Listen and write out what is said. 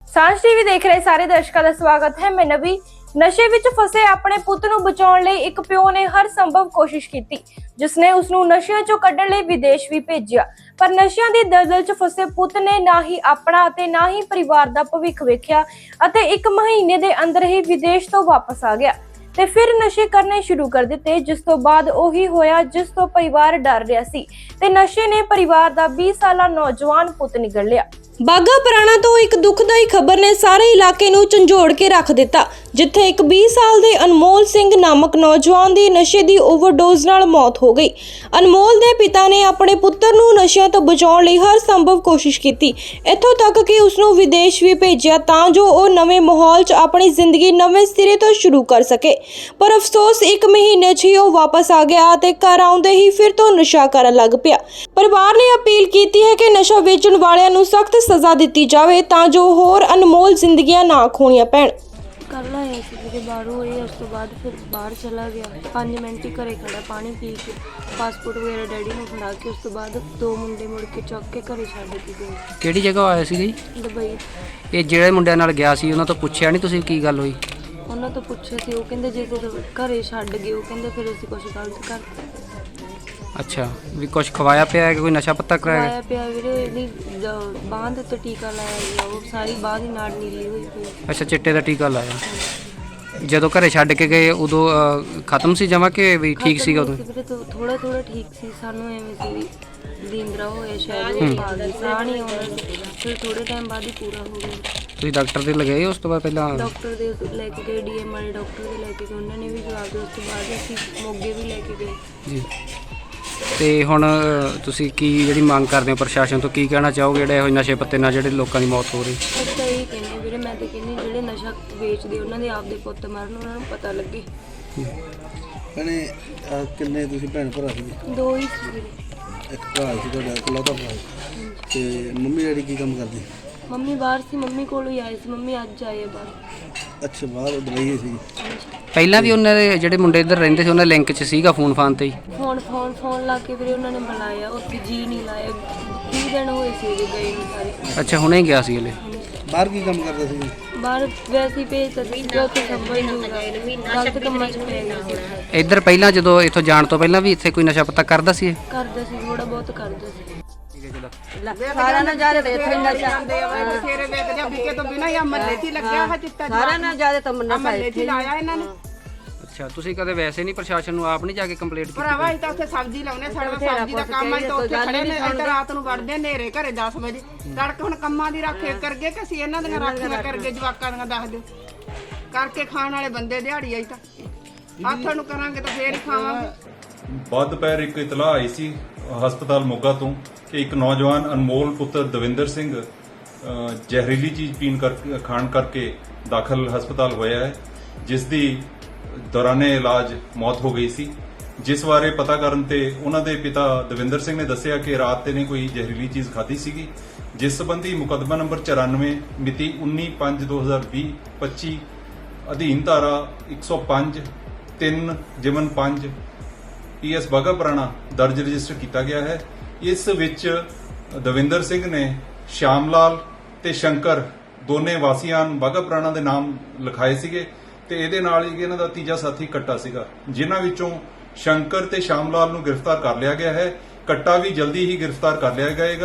ਸਾਂਝ ਟੀਵੀ ਦੇਖ ਰਹੇ ਸਾਰੇ ਦਰਸ਼ਕਾਂ ਦਾ ਸਵਾਗਤ ਹੈ। ਮੈਂ ਨਵੀ। ਨਸ਼ੇ ਵਿੱਚ ਫਸੇ ਆਪਣੇ ਪੁੱਤ ਨੂੰ ਬਚਾਉਣ ਲਈ ਇੱਕ ਪਿਓ ਨੇ ਹਰ ਸੰਭਵ ਕੋਸ਼ਿਸ਼ ਕੀਤੀ, ਜਿਸ ਨੇ ਉਸ ਨੂੰ ਨਸ਼ਿਆਂ ਚੋਂ ਕੱਢਣ ਲਈ ਵਿਦੇਸ਼ ਵੀ ਭੇਜਿਆ। ਪਰ ਨਸ਼ਿਆਂ ਦੀ ਦਲਦਲ 'ਚ ਫਸੇ ਪੁੱਤ ਨੇ ਨਾ ਹੀ ਆਪਣਾ ਅਤੇ ਨਾ ਹੀ ਪਰਿਵਾਰ ਦਾ ਭਵਿੱਖ ਵੇਖਿਆ ਅਤੇ 1 ਮਹੀਨੇ ਦੇ ਅੰਦਰ ਹੀ ਵਿਦੇਸ਼ ਤੋਂ ਵਾਪਸ ਆ ਗਿਆ ਤੇ ਫਿਰ ਨਸ਼ੇ ਕਰਨੇ ਸ਼ੁਰੂ ਕਰ ਦਿੱਤੇ, ਜਿਸ ਤੋਂ ਬਾਅਦ ਉਹੀ ਹੋਇਆ ਜਿਸ ਤੋਂ ਪਰਿਵਾਰ ਡਰ ਰਿਹਾ ਸੀ ਤੇ ਨਸ਼ੇ ਨੇ ਪਰਿਵਾਰ ਦਾ 20 ਸਾਲਾ ਨੌਜਵਾਨ ਪੁੱਤ ਨਿਗਲ ਲਿਆ। ਬਾਗਾ ਪੁਰਾਣਾ ਤੋਂ ਇੱਕ ਦੁਖਦਾਈ ਖਬਰ ਨੇ ਸਾਰੇ ਇਲਾਕੇ ਨੂੰ ਝੰਜੋੜ ਕੇ ਰੱਖ ਦਿੱਤਾ, ਜਿੱਥੇ ਇੱਕ 20 ਸਾਲ ਦੇ ਅਨਮੋਲ ਸਿੰਘ ਨਾਮਕ ਨੌਜਵਾਨ ਦੀ ਨਸ਼ੇ ਦੀ ਓਵਰਡੋਜ਼ ਨਾਲ ਮੌਤ ਹੋ ਗਈ। ਅਨਮੋਲ ਦੇ ਪਿਤਾ ਨੇ ਆਪਣੇ ਪੁੱਤਰ ਨੂੰ ਨਸ਼ਿਆਂ ਤੋਂ ਬਚਾਉਣ ਲਈ ਹਰ ਸੰਭਵ ਕੋਸ਼ਿਸ਼ ਕੀਤੀ, ਇੱਥੋਂ ਤੱਕ ਕਿ ਉਸ ਨੂੰ ਵਿਦੇਸ਼ ਵੀ ਭੇਜਿਆ ਤਾਂ ਜੋ ਉਹ ਨਵੇਂ ਮਾਹੌਲ 'ਚ ਆਪਣੀ ਜ਼ਿੰਦਗੀ ਨਵੇਂ ਸਿਰੇ ਤੋਂ ਸ਼ੁਰੂ ਕਰ ਸਕੇ। ਪਰ ਅਫਸੋਸ 1 ਮਹੀਨੇ 'ਚ ਹੀ ਉਹ ਵਾਪਸ ਆ ਗਿਆ ਅਤੇ ਘਰ ਆਉਂਦੇ ਹੀ ਫਿਰ ਤੋਂ ਨਸ਼ਾ ਕਰਨ ਲੱਗ ਪਿਆ। ਪਰਿਵਾਰ ਨੇ ਅਪੀਲ ਕੀਤੀ ਹੈ ਕਿ ਨਸ਼ਾ ਵੇਚਣ ਵਾਲਿਆਂ ਨੂੰ ਸਖਤ ਸਜ਼ਾ ਦਿੱਤੀ ਜਾਵੇ ਤਾਂ ਜੋ ਹੋਰ ਅਨਮੋਲ ਜ਼ਿੰਦਗੀਆਂ ਨਾ ਖੋਣੀਆਂ ਪੈਣ। ਕੱਲ੍ਹ ਆਇਆ ਸੀ ਜਿਹੜੇ ਬਾਹਰੋਂ ਹੋਏ, ਉਸ ਤੋਂ ਬਾਅਦ ਫਿਰ ਬਾਹਰ ਚਲਾ ਗਿਆ। 5 ਮਿੰਟ ਹੀ ਘਰੇ ਖੜਾ ਪਾਣੀ ਪੀ ਕੇ, ਪਾਸਪੋਰਟ ਵਗੈਰਾ ਡੈਡੀ ਨੂੰ ਫੜਾ ਕੇ, ਉਸ ਤੋਂ ਬਾਅਦ 2 ਮੁੰਡੇ ਮੁੜ ਕੇ ਚੁੱਕ ਕੇ ਘਰੇ ਛੱਡ ਕੇ ਗਏ। ਕਿਹੜੀ ਜਗ੍ਹਾ ਆਇਆ ਸੀ ਜੀ? ਦੁਬਈ। ਇਹ ਜਿਹੜੇ ਮੁੰਡਿਆਂ ਨਾਲ ਗਿਆ ਸੀ ਉਹਨਾਂ ਤੋਂ ਪੁੱਛਿਆ ਨਹੀਂ ਤੁਸੀਂ ਕੀ ਗੱਲ ਹੋਈ? ਉਹਨਾਂ ਤੋਂ ਪੁੱਛਿਆ ਸੀ, ਉਹ ਕਹਿੰਦੇ ਜੇ ਤੁਸੀਂ ਘਰੇ ਛੱਡ ਗਏ, ਉਹ ਕਹਿੰਦੇ ਫਿਰ ਅਸੀਂ ਕੁਛ ਗਲਤ ਕਰਤਾ। ਅੱਛਾ, ਵੀ ਕੁਝ ਖਵਾਇਆ ਪਿਆ ਹੈ ਕਿ ਕੋਈ ਨਸ਼ਾ ਪੱਤਾ ਕਰਾਇਆ? ਖਵਾਇਆ ਪਿਆ ਵੀਰੇ, ਇਹਦੀ ਬਾਂਹ ਦੇ ਉੱਤੇ ਟੀਕਾ ਲਾਇਆ ਗਿਆ, ਉਹ ਸਾਰੀ ਬਾਂਹ ਦੀ ਨਾੜ ਨੀਲੀ ਹੋਈ ਪਈ। ਅੱਛਾ, ਚਿੱਟੇ ਦਾ ਟੀਕਾ ਲਾਇਆ। ਜਦੋਂ ਘਰੇ ਛੱਡ ਕੇ ਗਏ ਉਦੋਂ ਖਤਮ ਸੀ ਜਮਾ ਕਿ ਵੀ ਠੀਕ ਸੀਗਾ ਉਦੋਂ? ਵੀਰੇ ਥੋੜਾ ਥੋੜਾ ਠੀਕ ਸੀ, ਸਾਨੂੰ ਐਵੇਂ ਸੀ ਵੀ ਲੀਂਦਰਾ ਹੋਇਆ ਸ਼ਾਇਦ, ਉਹ ਆ ਗਈ, ਸਾਹ ਨਹੀਂ ਆਉਣਾ ਸੀ। ਫਿਰ ਥੋੜੇ ਟਾਈਮ ਬਾਅਦ ਹੀ ਪੂਰਾ ਹੋ ਗਿਆ। ਤੁਸੀਂ ਡਾਕਟਰ ਦੇ ਲਗਾਏ ਉਸ ਤੋਂ ਬਾਅਦ? ਪਹਿਲਾਂ ਡਾਕਟਰ ਦੇ ਲੈ ਕੇ ਗਏ, ਡੀਐਮ ਵਾਲੇ ਡਾਕਟਰ ਦੇ ਲੈ ਕੇ ਗਏ, ਉਹਨਾਂ ਨੇ ਵੀ ਜਵਾਬ ਦਿੱਤਾ। ਉਸ ਤੋਂ ਬਾਅਦ ਅਸੀਂ ਮੋਗੇ ਵੀ ਲੈ ਕੇ ਗਏ ਜੀ। ਤੇ ਹੁਣ ਤੁਸੀਂ ਕੀ ਜਿਹੜੀ ਮੰਗ ਕਰਦੇ ਹੋ ਪ੍ਰਸ਼ਾਸਨ ਤੋਂ, ਕੀ ਕਹਿਣਾ ਚਾਹੋਗੇ ਜਿਹੜੇ ਇਹੋ ਨਸ਼ੇ ਪੱਤੇ ਨਾਲ ਜਿਹੜੇ ਲੋਕਾਂ ਦੀ ਮੌਤ ਹੋ ਰਹੀ? ਅਸੀਂ ਤਾਂ ਇਹੀ ਕਹਿੰਦੇ ਵੀਰੇ, ਮੈਂ ਤਾਂ ਕਹਿੰਦੀ ਜਿਹੜੇ ਨਸ਼ਾ ਵੇਚਦੇ ਉਹਨਾਂ ਦੇ ਆਪਦੇ ਪੁੱਤ ਮਰਨ, ਉਹਨਾਂ ਨੂੰ ਪਤਾ ਲੱਗੇ। ਭੈਣੇ ਕਿੰਨੇ ਤੁਸੀਂ ਭੈਣ ਭਰਾ ਸੀ? 2 ਹੀ ਸੀ ਵੀਰੇ। ਇੱਕ ਭਰਾ ਸੀ ਤੁਹਾਡਾ, ਇਕਲੌਤਾ ਭਰਾ। ਤੇ ਮੰਮੀ ਡੈਡੀ ਕੀ ਕੰਮ ਕਰਦੇ? ਮੰਮੀ ਬਾਹਰ ਸੀ, ਮੰਮੀ ਕੋਲ ਹੀ ਆਏ ਸੀ। ਮੰਮੀ ਅੱਜ ਆਏ ਆ ਬਾਹਰ। ਅੱਛਾ, ਬਾਹਰ ਦੁਬਈ ਸੀ। ਪਹਿਲਾਂ ਵੀ ਉਹਨਾਂ ਦੇ ਜਿਹੜੇ ਮੁੰਡੇ ਇੱਧਰ ਰਹਿੰਦੇ ਸੀ ਉਹਨਾਂ ਲਿੰਕ 'ਚ ਸੀਗਾ ਫੋਨ ਫਾਨ ਤੇ ਹੀ? ਫੋਨ ਲਾ ਕੇ ਵੀਰੇ ਉਹਨਾਂ ਨੇ ਬੁਲਾਇਆ, ਉੱਥੇ ਜੀ ਨਹੀਂ ਲਾਇਆ। 20 ਦਿਨ ਹੋਏ ਸੀ ਜੇ ਗਏ ਨੂੰ ਸਾਰੇ। ਅੱਛਾ, ਹੁਣੇ ਗਿਆ ਸੀ ਹਲੇ? ਬਾਹਰ ਕੀ ਕੰਮ ਕਰਦਾ ਸੀ? ਬਾਹਰ ਵੈਸੇ ਹੀ ਭੇਜਤਾ ਸੀ, ਜੋ ਉੱਥੇ ਸਮਝ ਨਹੀਂ ਗਲਤ ਕੰਮਾਂ 'ਚ ਪੈ ਗਿਆ ਸੀ। ਇੱਧਰ ਪਹਿਲਾਂ ਜਦੋਂ ਇੱਥੋਂ ਜਾਣ ਤੋਂ ਪਹਿਲਾਂ ਵੀ ਇੱਥੇ ਕੋਈ ਨਸ਼ਾ ਪੱਤਾ ਕਰਦਾ ਸੀ? ਕਰਦਾ ਸੀ, ਥੋੜਾ ਬਹੁਤ ਕਰਦਾ ਸੀ। ਸਾਰਾ ਨਜ਼ਾਰੇ ਤੇ ਇੱਥੇ ਨਸ਼ਾ ਬਥੇਰੇ ਵੇਚਦੇ ਆ, ਵਿਕੇ ਤੋਂ ਬਿਨਾਂ ਹੀ ਮਹੱਲੇ 'ਚ ਹੀ ਲੱਗਿਆ ਹੈ ਚਿੱਟਾ। ਸਾਰਾ ਨਜ਼ਾਰੇ ਤਾਂ ਮਹੱਲੇ 'ਚ ਹੀ ਲਾਇਆ ਇਹਨਾਂ ਨੇ। ਅੱਛਾ, ਤੁਸੀਂ ਕਦੇ ਵੈਸੇ ਨਹੀਂ ਪ੍ਰਸ਼ਾਸਨ ਨੂੰ ਆਪ ਨਹੀਂ ਜਾ ਕੇ ਕੰਪਲੇਂਟ ਕੀਤੀ? ਭਰਾਵਾ ਅਸੀਂ ਤਾਂ ਉੱਥੇ ਸਬਜ਼ੀ ਲਾਉਨੇ, ਸਾਡਾ ਸਬਜ਼ੀ ਦਾ ਕੰਮ ਅਸੀਂ ਤਾਂ ਉੱਥੇ ਖੜੇ ਨੇ। ਇੱਧਰ ਰਾਤ ਨੂੰ ਵੜਦੇ ਨੇਰੇ ਘਰੇ 10 ਵਜੇ ਤੜਕੇ। ਹੁਣ ਕੰਮਾਂ ਦੀ ਰਾਖੇ ਕਰਗੇ ਕਿ ਅਸੀਂ ਇਹਨਾਂ ਦੀਆਂ ਰਾਖੀਆਂ ਕਰਗੇ, ਜਵਾਕਾਂ ਦੀਆਂ ਦੱਸ ਦਿਓ। ਕਰਕੇ ਖਾਣ ਵਾਲੇ ਬੰਦੇ ਦਿਹਾੜੀ ਆਈ ਤਾਂ ਆਥਣ ਨੂੰ ਕਰਾਂਗੇ ਤਾਂ ਫੇਰ ਹੀ ਖਾਵਾਂਗੇ। ਬਾਅਦ ਦੁਪਹਿਰ ਇੱਕ ਇਤਲਾਹ ਆਈ ਸੀ ਹਸਪਤਾਲ ਮੋਗਾ ਤੋਂ ਕਿ ਇੱਕ ਨੌਜਵਾਨ ਅਨਮੋਲ ਪੁੱਤਰ ਦਵਿੰਦਰ ਸਿੰਘ ਜ਼ਹਿਰੀਲੀ ਚੀਜ਼ ਖਾਣ ਕਰਕੇ ਦਾਖਲ ਹਸਪਤਾਲ ਹੋਇਆ ਹੈ, ਜਿਸ ਦੀ ਦੌਰਾਨੇ ਇਲਾਜ ਮੌਤ ਹੋ ਗਈ ਸੀ। ਜਿਸ ਬਾਰੇ ਪਤਾ ਕਰਨ ਤੇ ਉਹਨਾਂ ਦੇ ਪਿਤਾ ਦਵਿੰਦਰ ਸਿੰਘ ਨੇ ਦੱਸਿਆ ਕਿ ਰਾਤ ਤੇ ਨੇ ਕੋਈ ਜ਼ਹਿਰੀਲੀ ਚੀਜ਼ ਖਾਧੀ ਸੀਗੀ, ਜਿਸ ਸੰਬੰਧੀ ਮੁਕੱਦਮਾ ਨੰਬਰ 94 ਮਿਤੀ 19/5/2020 25 ਅਧੀਨ ਧਾਰਾ 105 3-5 PS ਬਾਗਾ ਪੁਰਾਣਾ ਦਰਜ ਰਜਿਸਟਰ ਕੀਤਾ ਗਿਆ ਹੈ। ਇਸ ਵਿੱਚ ਦਵਿੰਦਰ ਸਿੰਘ ਨੇ ਸ਼ਾਮ ਲਾਲ ਤੇ ਸ਼ੰਕਰ ਦੋਨੇ ਵਾਸੀਆਂ ਬਾਗਾ ਪੁਰਾਣਾ ਦੇ ਨਾਮ ਲਿਖਾਏ ਸੀਗੇ ਤੇ ਇਹਦੇ ਨਾਲ ਹੀ ਇਹਨਾਂ ਦਾ ਤੀਜਾ ਸਾਥੀ ਕੱਟਾ ਸੀਗਾ, ਜਿਨ੍ਹਾਂ ਵਿੱਚੋਂ ਸ਼ੰਕਰ ਤੇ ਸ਼ਾਮ ਲਾਲ ਨੂੰ ਗ੍ਰਿਫਤਾਰ ਕਰ ਲਿਆ ਗਿਆ ਹੈ। ਕੱਟਾ ਵੀ ਜਲਦੀ ਹੀ ਗ੍ਰਿਫਤਾਰ ਕਰ ਲਿਆ ਜਾਏਗਾ।